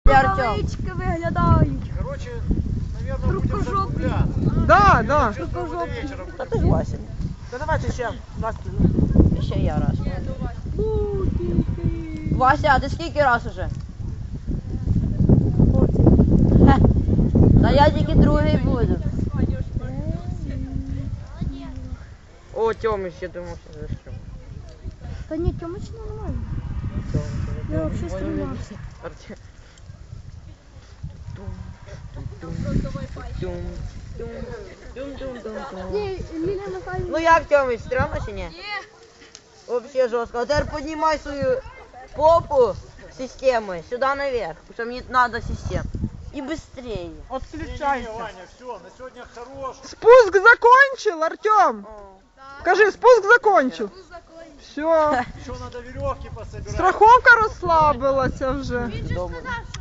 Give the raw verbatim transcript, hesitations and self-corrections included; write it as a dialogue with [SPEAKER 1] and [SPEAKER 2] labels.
[SPEAKER 1] Рукавички виглядають.
[SPEAKER 2] Короче, наверное, будем закругляться.
[SPEAKER 3] Да, да.
[SPEAKER 2] Чувствую, мы до вечера
[SPEAKER 4] Та
[SPEAKER 2] будем.
[SPEAKER 4] ти ж Вася.
[SPEAKER 3] Та давайте ще. Настя.
[SPEAKER 4] Ще я раз. Вася, а ти скільки раз уже? Хе. Та я тільки другий буду. О, Тьомич, я думав, що за що.
[SPEAKER 1] Та ні, Тьомич нормально. Я взагалі стримався.
[SPEAKER 4] Артем.
[SPEAKER 1] Ні, Лілія Михайлівна.
[SPEAKER 4] Ну як, Тьомич, стрьомно чи ні? Ні. Вообще жорстко. А тепер піднімай свою попу системой сюда наверх, потому что мне надо систему. И быстрее.
[SPEAKER 2] Не-не-не,
[SPEAKER 3] Отключайся.
[SPEAKER 2] Ваня, все, на сегодня хорош.
[SPEAKER 3] Спуск закончил, Артем. Скажи, спуск закончил. Все.
[SPEAKER 2] Еще надо веревки пособирать.
[SPEAKER 3] Страховка розслабилася вже.
[SPEAKER 4] Дома.